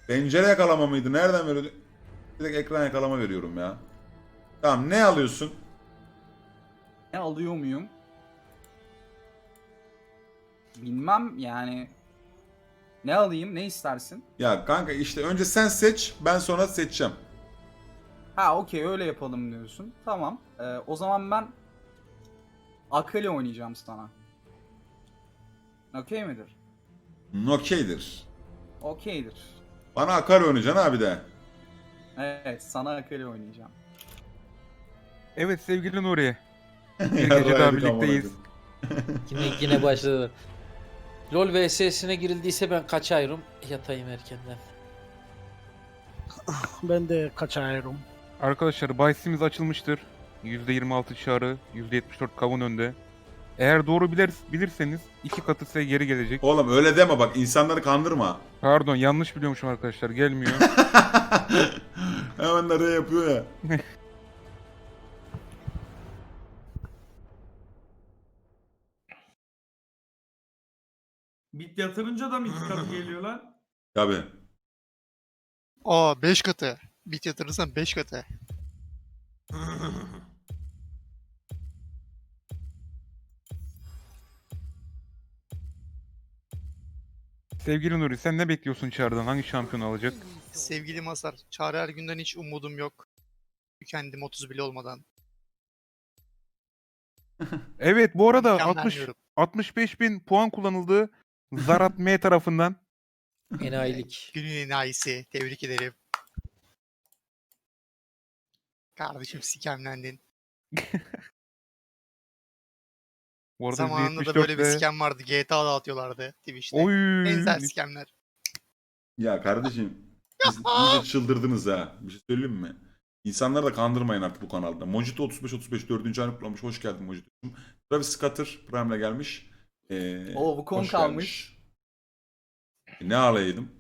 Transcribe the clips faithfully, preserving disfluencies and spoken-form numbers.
Pencere yakalama mıydı? Nereden veriyordu? Direkt ekran yakalama veriyorum ya. Tamam, ne alıyorsun? Ne alıyor muyum? Bilmem yani. Ne alayım? Ne istersin? Ya kanka işte önce sen seç, ben sonra seçeceğim. Ha okey, öyle yapalım diyorsun. Tamam. Ee, o zaman ben Akali oynayacağım sana. Okey midir? Okeydir. Okeydir. Bana akar oynayacaksın abi de. Evet, sana Akali oynayacağım. Evet sevgili Nuri. Bir Ya gece daha raydık amına birlikteyiz. koyayım. Yine yine başladı. LoL V S'sine girildiyse ben kaçayım. Yatayım erkenden. Ben de kaçarım. Arkadaşlar bahisimiz açılmıştır. yüzde yirmi altı çağrı, yüzde yetmiş dört kavun önde. Eğer doğru bilir, bilirseniz iki katı size geri gelecek. Oğlum öyle deme bak, insanları kandırma. Pardon yanlış biliyormuşum arkadaşlar, gelmiyor. Hemen nereye yapıyor ya. Bit yatırınca da mı iki katı geliyor lan? Tabii. Aa beş katı. Bit yatırırsan beş katı. Sevgili Nuri sen ne bekliyorsun çağrıdan? Hangi şampiyon alacak? Sevgili Masar, Çağrı Ergün'den hiç umudum yok. Kendim otuz bile olmadan. Evet bu arada Mükemmel altmış diyorum. altmış beş bin puan kullanıldı. Zarat M tarafından. Enayilik. Günün enayisi. Tebrik ederim. Kardeşim sikemlendin. Bu arada Zamanında da yüzde böyle bir yetmiş dört sikem vardı. G T A'da atıyorlardı Twitch'te. Oy. Benzer sikemler. Ya kardeşim, siz iyice çıldırdınız ha. Bir şey söyleyeyim mi? İnsanları da kandırmayın artık bu kanalda. Mojito otuz beş otuz beş dördüncü ayını kutlamış. Hoş geldin Mojito'cum. Travis Scutter Prime'le gelmiş. Ee, Oo, bu konu hoş kalmış. gelmiş. E, ne alaydım?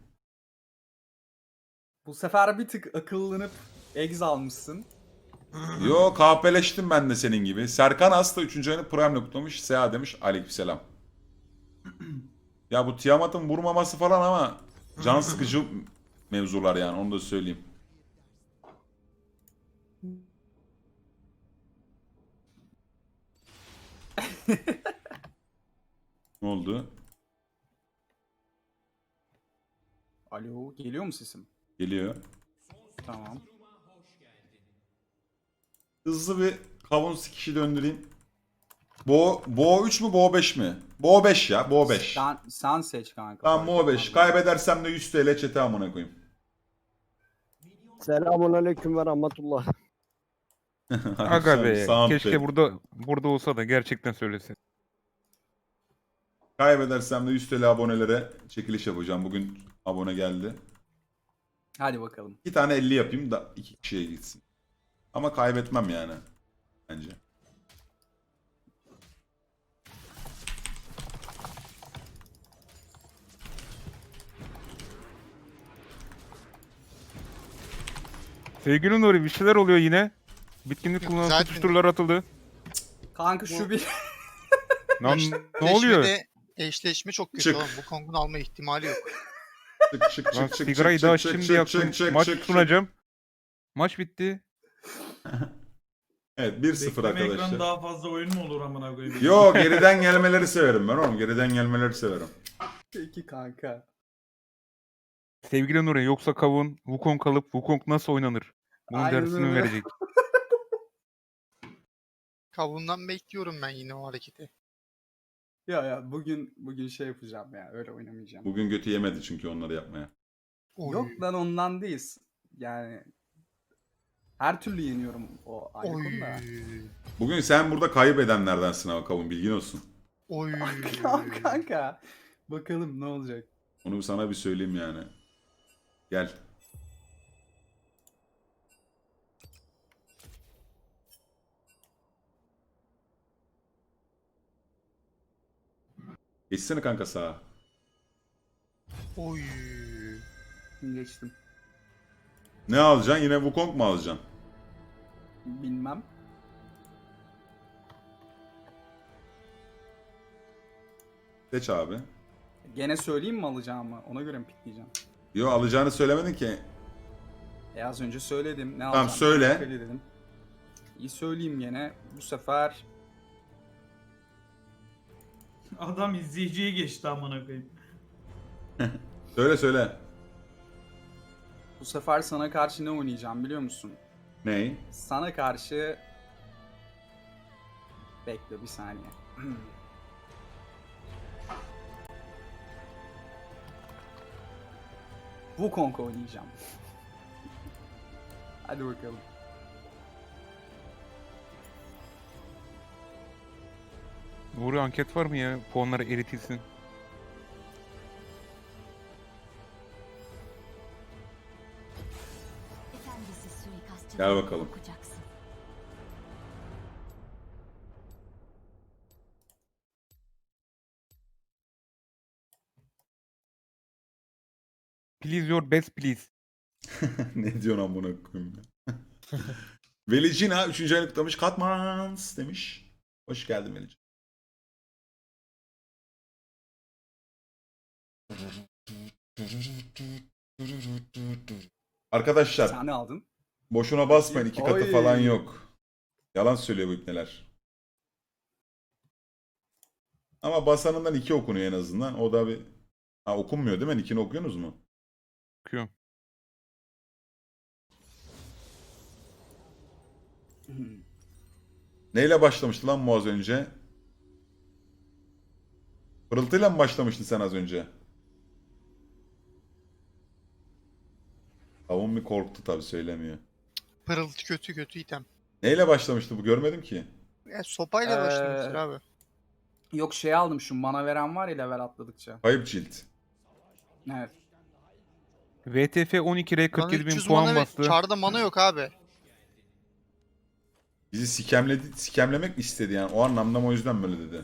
Bu sefer bir tık akıllanıp egz almışsın. Yo, kahpeleştim ben de senin gibi. Serkan Aslı üçüncü ayını Prime'le kutlamış. Seha demiş. Aleykümselam. Ya bu Tiamat'ın vurmaması falan ama can sıkıcı mevzular yani, onu da söyleyeyim. Ne oldu? Alo, geliyor mu sesim? Geliyor. Tamam. Hızlı bir kavun sikişi döndüreyim. Bo Bo üç mü Bo beş mi? Bo beş ya, Bo beş. Sen, sen seç kanka. Tamam, fark Bo beş. etmez. Kaybedersem de yüz T L çete amına koyayım. Selamun aleyküm ve rahmetullah. Aga be. Sound Keşke pad. burada burada olsa da gerçekten söylesin. Kaybedersem de yüz T L abonelere çekiliş yapacağım. Bugün abone geldi. Hadi bakalım. İki tane elli yapayım da iki kişiye gitsin. Ama kaybetmem yani. Bence. Sevgili Nuri bir şeyler oluyor yine. Bitkinlik Yok, kullanan zaten- tutuşturlar atıldı. Kanka şu Bu- bir... Lan ne oluyor? Eşleşmede- Eşleşme çok kötü Çık. oğlum. Bu Kong'un alma ihtimali yok. Çık çık Lan çık çık sigarayı çık daha çık şimdi çık yaktım. çık çık Maç çık sunacağım. Maç bitti. Evet, bir sıfır Bekleme arkadaşlar. ekranı daha fazla oyun mu olur amına koyayım? Yo, geriden gelmeleri severim ben oğlum. Geriden gelmeleri severim. Peki kanka. Sevgili Nuri yoksa kavun Wukong kalıp Wukong nasıl oynanır? Bunun Aynen dersini öyle. verecek. Kavundan bekliyorum ben yine o hareketi. Ya ya bugün bugün şey yapacağım ya, öyle oynamayacağım. Bugün götü yemedi çünkü onları yapmaya. Oy. Yok lan, ondan değil. Yani her türlü yeniyorum, o ayrı Oy. konu da. Bugün sen burada kaybedenlerdensin ama kavun, bilgin olsun. Oy. Kanka bakalım ne olacak. Onu sana bir söyleyeyim yani. Gel. Geçsene kanka sağa. Oy. Geçtim. Ne alacaksın? Yine Wukong mu alacaksın? Bilmem. Seç abi. Gene söyleyeyim mi alacağımı? Ona göre mi pikleyeceğim? Yo, alacağını söylemedin ki. E az önce söyledim. Ne Tamam, alacağım? söyle. Akali dedim. İyi söyleyeyim gene. Bu sefer Adam izleyiciye geçti amına koyayım. Söyle söyle. bu sefer sana karşı ne oynayacağım biliyor musun? Ney? Sana karşı bekle bir saniye. Wukong oynayacağım. Hadi bakalım. Nuri anket var mı ya? Puanları eritilsin. Efendisi suikastçı. Gel bakalım. Okuyacaksın. Please your best please. Ne diyorsun amına koyayım ya? Velicina üçüncü ayını kutlamış. Katmans demiş. Hoş geldin Velicina. Arkadaşlar Sen ne aldın? boşuna basmayın, iki katı Oy. falan yok. Yalan söylüyor bu ipneler. Ama basanından iki okunuyor en azından. O da bir... Ha, okunmuyor değil mi? İkini okuyorsunuz mu? Bakıyorum. Neyle başlamıştı lan bu az önce? Pırıltıyla mı başlamıştın sen az önce? Kavun bir korktu tabii, söylemiyor. Pırıltı kötü kötü item. Neyle başlamıştı bu, görmedim ki. Ya sopayla Ee, başlamıştır abi. Yok şey aldım, şu mana veren var ya level atladıkça. Kayıp cilt. Evet. V T F on iki R Bana kırk yedi bin üç yüz puan mana ve bastı. çarda mana yok abi. Bizi sikemledi, sikemlemek mi istedi yani? O anlamda mı, o yüzden böyle dedi.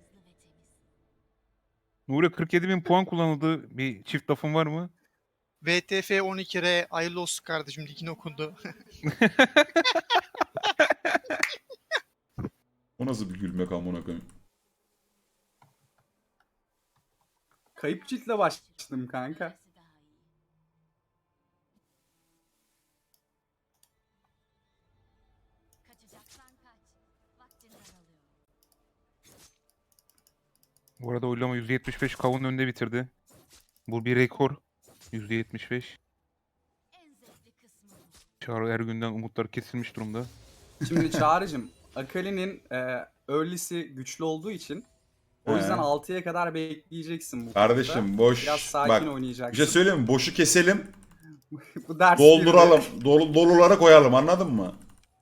Nuri kırk yedi bin puan kullanıldı. Bir çift lafın var mı? V T F on iki R hayırlı olsun kardeşim, ligin okundu. O nasıl bir gülmek amına koyayım? Kayıp ciltle başladım kanka. Kaçacaksan kaç. Vaktin daralıyor. Bu arada oylama yüzde yetmiş beş kavun önde bitirdi. Bu bir rekor. yüzde yetmiş beş. En zevkli kısmı bu. Çağrı Ergün'den umutlar kesilmiş durumda. Şimdi Çağrı'cım, Akali'nin e, early'si güçlü olduğu için o yüzden He. altıya kadar bekleyeceksin bu Kardeşim konuda. boş. Biraz sakin Bak, bir oynayacaksın. şey söyleyeyim mi? Boşu keselim, Bu ders dolduralım. girdi. Dolu, dolulara koyalım, anladın mı?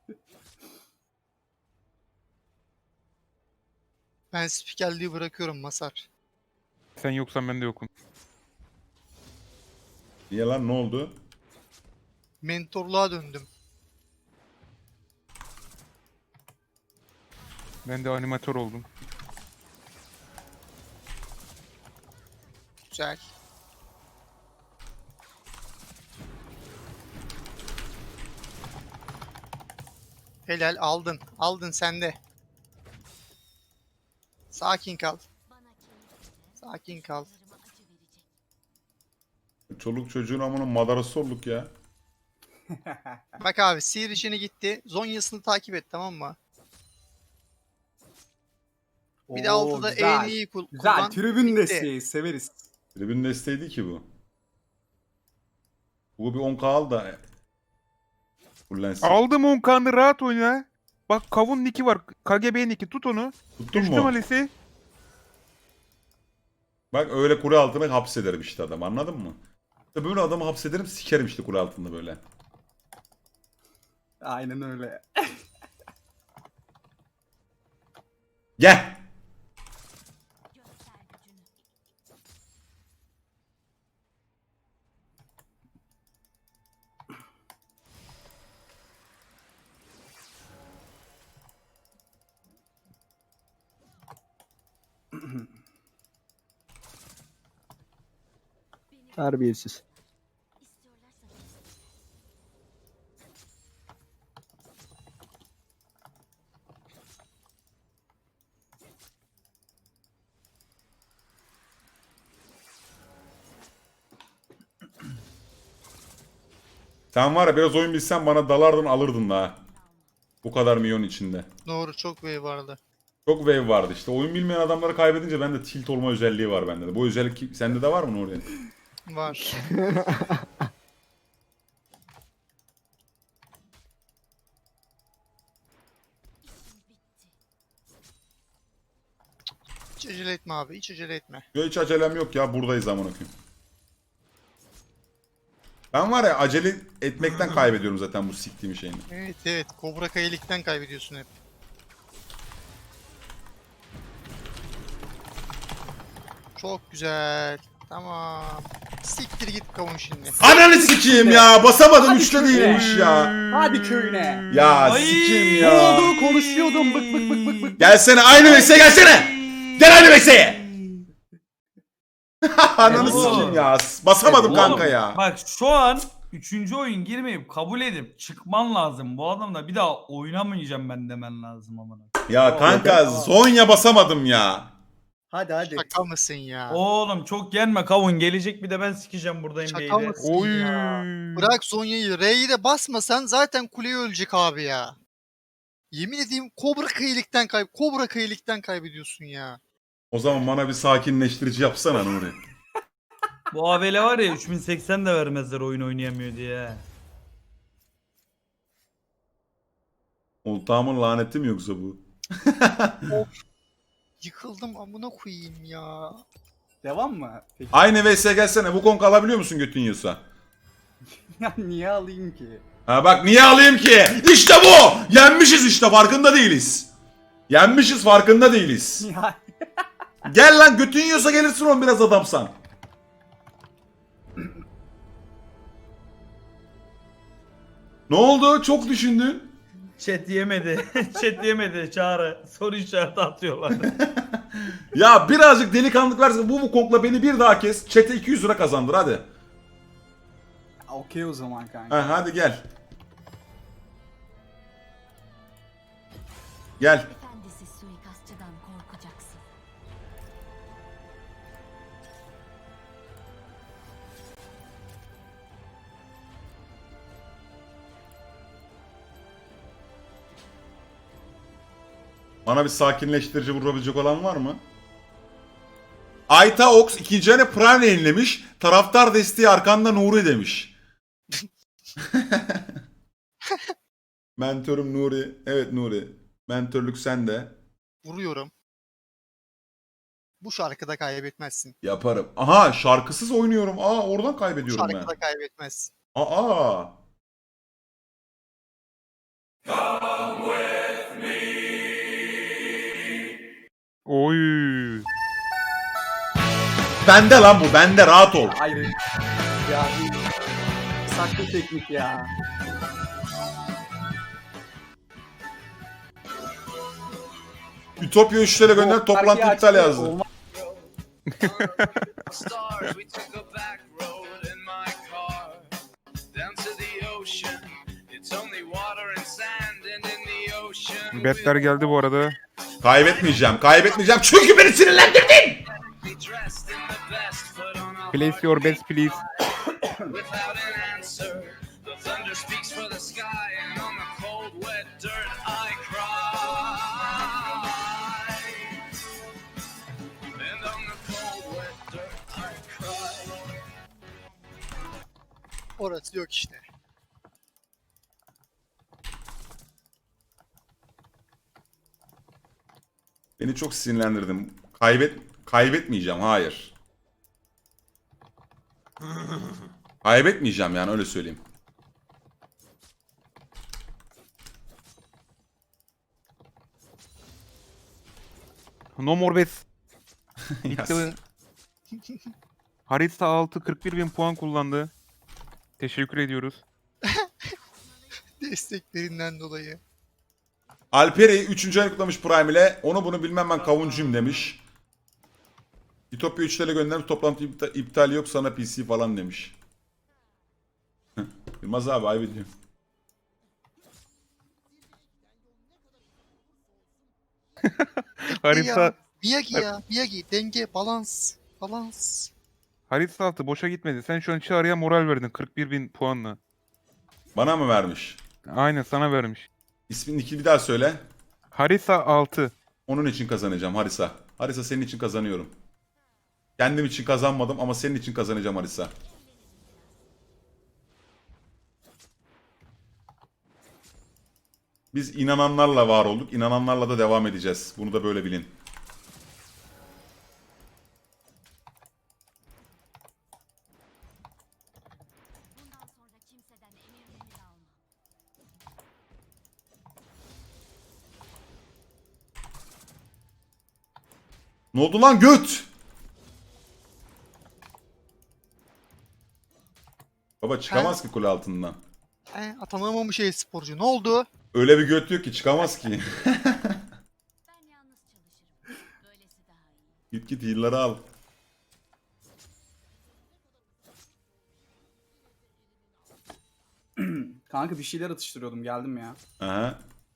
Ben spikerliği bırakıyorum Masar. Sen yoksan ben de yokum. Niye lan, ne oldu? Mentorluğa döndüm. Ben de animatör oldum. Güzel. Helal, aldın. Aldın sen de. Sakin kal. Bana keyifli. Sakin kal. Sınırıma acı verecek. Çoluk çocuğun amına madarası olduk ya. Bak abi, sihir işini gitti. Zonya'sını takip et, tamam mı? Bir de Oo, altıda güzel. E'ni iyi kul- Güzel, kullan. tribün Bitti. desteği severiz. Tribün desteğiydi ki bu. Bu bir on K al da fullensin. Aldım on kanı, rahat oyna. Bak kavun niki var. K G B niki, tut onu. Tuttun Düştüm mu? Alice'i. Bak öyle kule altına hapsederim işte adam, anladın mı? İşte böyle adamı hapsederim, sikerim işte kule altında böyle. Aynen öyle. Gel! Göster gücünü. Terbiyesiz. İstiyorlarsa versin. Sen var ya biraz oyun bilsen bana dalardın alırdın da ha. Bu kadar milyon içinde. Doğru, çok wave vardı. Çok wave vardı işte. Oyun bilmeyen adamları kaybedince bende tilt olma özelliği var bende de. Bu özellik sende de var mı Nuri? Var. Hiç acele etme abi, hiç acele etme. Yo, hiç acelem yok ya, buradayız amına koyayım. Ben var ya acele etmekten kaybediyorum zaten bu siktiğim şeyini. Evet evet, Kobra Kayılik'ten kaybediyorsun hep. Çok güzel. Tamam. Siktir git kavun şimdi. Ananı sikeyim ya, basamadım, Hadi üçte şöyle. değilmiş ya. Hadi köyüne. Ya Ay, sikeyim Ne ya. oldu? Konuşuyordum. Bık bık bık bık bık. Gelsene aynı mesleğe gelsene. Gel aynı mesleğe. Ananı Oğlum. sikeyim ya. Basamadım Oğlum, kanka ya. Bak şu an üçüncü oyun girmeyip kabul edip çıkman lazım. Bu adamla bir daha oynamayacağım ben demen lazım amına. Ya kanka Zonya basamadım ya. Hadi hadi. Şaka mısın ya? Oğlum çok yenme kavun, gelecek bir de ben sikeceğim buradayım Şaka beyde. mısın Oy. ya? Bırak Zonya'yı. R'yi de basmasan zaten kuleye ölecek abi ya. Yemin edeyim Kobra Kayılik'ten kay Kobra Kayılik'ten kaybediyorsun ya. O zaman bana bir sakinleştirici yapsana Nuri. Bu Avele var ya üç bin seksen de vermezler oyun oynayamıyor diye. Oltağımın laneti mi yoksa bu? Yıkıldım amına koyayım ya. Devam mı? Peki. Aynı V S gelsene. Bu konk alabiliyor musun götün yiyorsa? Ya niye alayım ki? Ha bak niye alayım ki? İşte bu! Yenmişiz işte, farkında değiliz. Yenmişiz, farkında değiliz. Ya Gel lan, götün yiyorsa gelirsin oğlum, biraz adamsan. Ne oldu? Çok düşündün. Chat yemedi. Chat yemedi Çağrı. Soru işareti atıyorlar. Ya birazcık delikanlılık versin. Bu bu konkla beni bir daha kes. Chat'e iki yüz lira kazandır hadi. okey o zaman kanka. Ha, hadi gel. Gel. Efendisi suikastçıdan korkacaksın. Bana bir sakinleştirici vurabilecek olan var mı? Ayta Ox ikinci hani Prime yayınlamış. Taraftar desteği arkanda Nuri demiş. Mentörüm Nuri. Evet Nuri. Mentörlük sende. Vuruyorum. Bu şarkıda kaybetmezsin. Yaparım. Aha, şarkısız oynuyorum. Aa, oradan Bu kaybediyorum ben. şarkıda kaybetmezsin. Aa. Oy. Bende lan bu. Bende, rahat ol. Ayrı. Ya bu saklı teknik ya. Ütopya üçlere gönder, toplantı Şarkıyı iptal açtı, yazdı. olmaz. Stars, we took a back road in my car down to the ocean. It's only water and sand, and in the ocean Betler geldi bu arada. Kaybetmeyeceğim. Kaybetmeyeceğim. Çünkü beni sinirlendirdin. we dressed in the best, put on our Place your bets please. without an answer. The thunder speaks for the sky, and on the cold, wet dirt I cry. And on the cold, wet dirt I cry. Orası yok işte. Beni çok sinirlendirdin. Kaybet kaybetmeyeceğim. Hayır. Kaybetmeyeceğim yani, öyle söyleyeyim. No more bets. Ya, Bitti. Harita altı kırk bir bin puan kullandı. Teşekkür ediyoruz. Desteklerinden dolayı. Alperi üçüncü ay kutlamış Prime ile. Onu bunu bilmem, ben kavuncuyum demiş. Ütopya üçlere göndermiş, toplantı iptal, iptal yok sana P C falan demiş. Yılmaz abi ayıp ediyorum. Harita Ya, Miyagi ya. Miyagi. Denge. Balans. Balans. harita altı boşa gitmedi. Sen şu an Çağrı'ya moral verdin kırk bir bin puanla. Bana mı vermiş? Aynen sana vermiş. İsmini iki bir daha söyle. Harisa altı. Onun için kazanacağım Harisa. Harisa senin için kazanıyorum. Kendim için kazanmadım ama senin için kazanacağım Harisa. Biz inananlarla var olduk. İnananlarla da devam edeceğiz. Bunu da böyle bilin. Bundan sonra kimseden emir memir alma. Ne oldu lan göt? Baba çıkamaz ki kule altından. E, atanamamış e-sporcu. Ne oldu? Öyle bir göt yok ki çıkamaz ki. Ben yalnız çalışırım. Böylesi daha iyi. Git git heal'ları al. Kanka bir şeyler atıştırıyordum, geldim ya. Aha.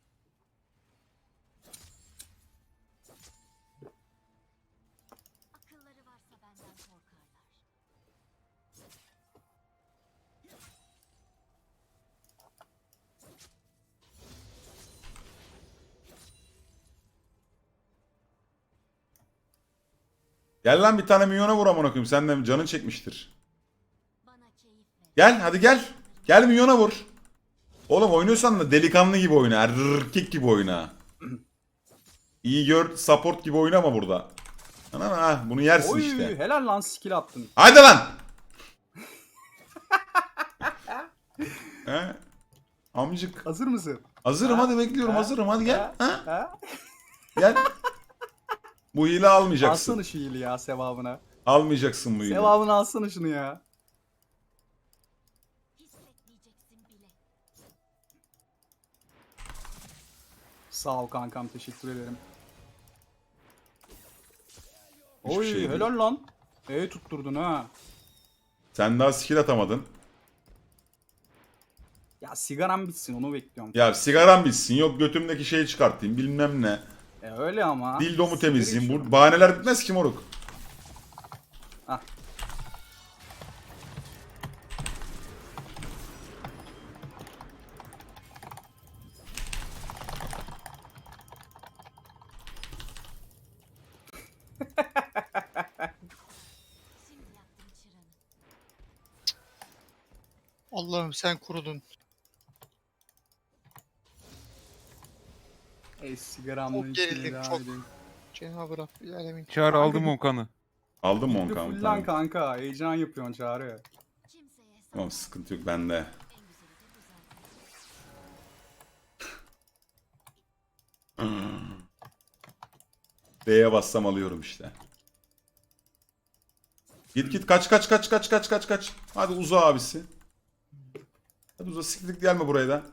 Akılları varsa benden korkarlar. Gel lan bir tane minyona vur amına koyayım. Sen de canın çekmiştir. Bana keyif ver. Gel hadi gel. Gel minyona vur. Oğlum oynuyorsan da delikanlı gibi oyna. Erkek gibi oyna. İyi gör support gibi oynama burada. Ana ha bunu yersin Oy işte. helal lan, skill attın. Haydi lan. He? Amcık. Hazır mısın? Hazırım Ha? hadi bekliyorum Ha? hazırım hadi gel. Ha? Ha? Ha? Gel. Bu hile almayacaksın. Alsana şu iyiliği ya, sevabına. Almayacaksın bu hile. Sevabını alsana şunu ya. Hissetmeyeceksin bile. Sağ ol kankam, teşekkür ederim. Hiçbir Oy şey değil. helal lan. E tutturdun ha. Sen daha skill atamadın. Ya sigaram bitsin, onu bekliyorum. Ya sigaram bitsin yok götümdeki şeyi çıkartayım bilmem ne. E öyle ama. Dildomu Sigara temizleyeyim. içiyorum. Bu bahaneler bitmez ki moruk. Hah. Şimdi yaktım çıranı. Allah'ım sen kurudun. E sigaramla Çok içmeye gerildim, devam çok. edeyim. Cenab-ı Rabbül Alemin. Çağrı Kanka aldım bir- on kanı. Aldın mı on Bitti kan? full lan Tamam. kanka. Heyecan yapıyorsun Çağrı. Kimseye Tamam sakın. sıkıntı yok bende. En güzeli de bu zaten. D'ye bassam alıyorum işte. Git git kaç kaç kaç kaç kaç kaç kaç. Hadi uza abisi. Hadi uza siktir gelme buraya da.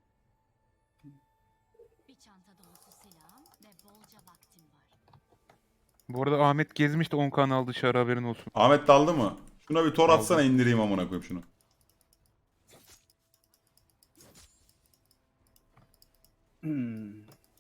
Bir çanta dolusu silahım ve bolca vaktim var. Bu arada Ahmet gezmiş de on kan aldı dışarı haberin olsun. Ahmet daldı mı? Şuna bir tor Aldım. atsana indireyim amına koyayım şunu. Hmm.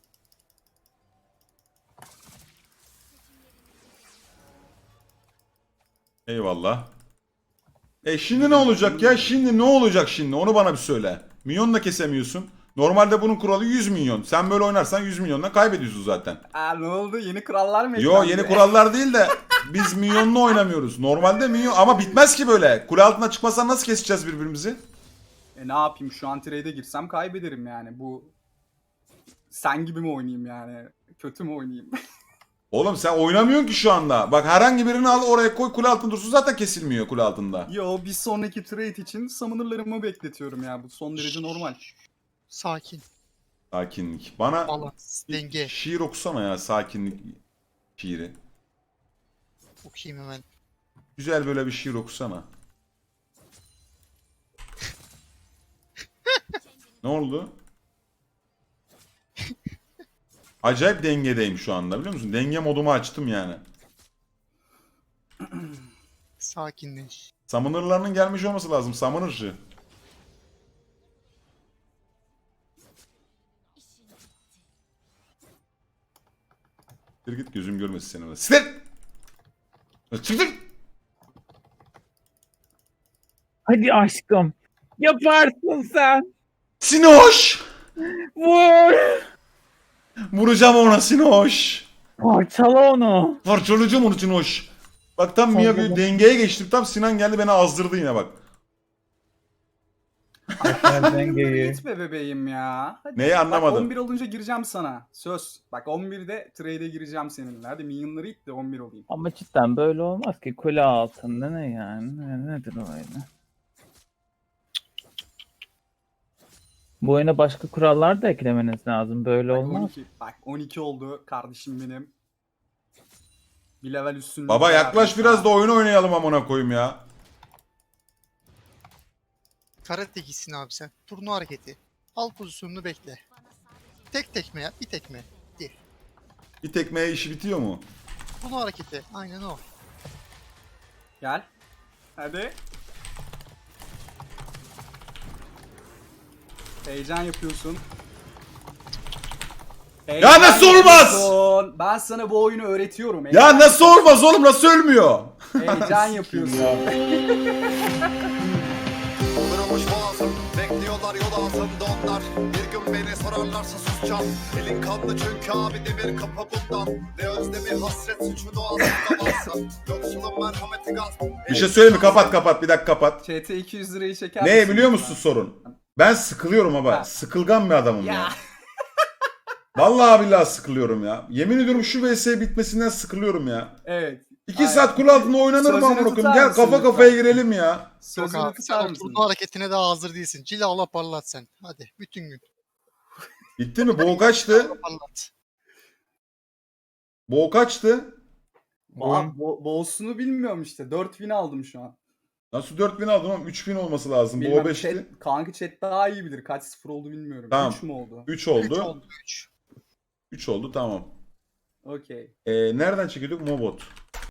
Eyvallah. E şimdi ne olacak ya? Şimdi ne olacak şimdi? Onu bana bir söyle. Milyon da kesemiyorsun. Normalde bunun kuralı yüz milyon. Sen böyle oynarsan yüz milyonla kaybediyorsun zaten. Aa ne oldu? Yeni kurallar mı Yo eklendi? yeni kurallar değil de biz milyonla oynamıyoruz. Normalde milyon ama bitmez ki böyle. Kule altına çıkmasan nasıl keseceğiz birbirimizi? E ne yapayım, şu an trade'e girsem kaybederim yani. Bu sen gibi mi oynayayım yani? Kötü mü oynayayım? Oğlum sen oynamıyorsun ki şu anda. Bak herhangi birini al oraya koy kule altında dursun zaten kesilmiyor kule altında. Yo, bir sonraki trade için summoner'larımı bekletiyorum ya. Bu son derece normal. Sakin. Sakinlik. Bana Balans. bir Denge. şiir okusana ya sakinlik şiiri. Okuyayım hemen. Güzel böyle bir şiir okusana. Ne oldu? Acayip dengedeyim şu anda biliyor musun? Denge modumu açtım yani. Sakinleş. Summoner'larının gelmiş olması lazım. Summoner'cı. İşin bitti. Bir git gözüm görmesin seni orada. Siktir! Çıktır! Hadi aşkım. Yaparsın sen. Sinoş! Vur. Vuracağım ona Sinoş. Parçala onu. Parçalayacağım onu Sinoş. Bak tam Mia bir dengeye geçtim. Tam Sinan geldi beni azdırdı yine bak. Aşağı dengeyi. Gitme bebeğim ya. Hadi. Neyi Bak anlamadım. on bir olunca gireceğim sana. Söz. Bak on birde trade'e gireceğim seninle. Hadi minyonları it de on bir olayım. Ama cidden böyle olmaz ki. Kule altında ne yani? Ne, nedir o öyle? Bu oyuna başka kurallar da eklemeniz lazım. Böyle Bak olmaz. on iki. Bak on iki oldu kardeşim benim. Bir level üstünlük. Baba var yaklaş abi biraz sana. da oyun oynayalım amına koyayım ya. Karate gitsin abi sen. Turnu hareketi. Al pozisyonunu bekle. Tek tekme ya. Bir tekme. Değil. Bir tekmeye işi bitiyor mu? Turnu hareketi. Aynen o. Gel. Hadi. Heyecan yapıyorsun. Ya nasıl olmaz? yapıyorsun. Ben sana bu oyunu öğretiyorum. Ya Heyecan nasıl olmaz oğlum, nasıl ölmüyor? Heyecan yapıyorsun. Kırılmış boğazım, bekliyorlar yol altında onlar. Bir gün beni sorarlarsa susacağım. Elin kanlı çünkü abi demir kapı bundan. Ne özlemi hasret suçu doğasında varsa. Yoksulun merhameti gaz. Bir şey söyleyeyim mi? Kapat kapat bir dakika kapat. Ç T iki yüz lirayı çeker Ne misin biliyor lütfen? musun sorun? Ben sıkılıyorum ama. Ha. Sıkılgan bir adamım ya. Ya. Vallahi billahi sıkılıyorum ya. Yemin ediyorum şu V S bitmesinden sıkılıyorum ya. Evet. İki Aynen. saat kule altında oynanır mı Sözünü amına koyayım? tutar Gel mısın kafa lütfen? kafaya girelim ya. Yok Sözünü abi sen tutar o mısın? turnu hareketine daha hazır değilsin. Cilala parlat sen. Hadi bütün gün. Bitti mi? Boğ kaçtı? Parlat. Boğ kaçtı? Ba bo Boğusunu bilmiyorum işte. dört bin aldım şu an. Nasıl dört bin aldın oğlum? üç bin olması lazım. Bilmem, Boğ beşti. chat, kanka chat daha iyi bilir. Kaç sıfır oldu bilmiyorum. Tamam. üç mü oldu? üç üç oldu. oldu üç. üç oldu tamam. Okey. Ee, nereden çekiyorduk? Mobot.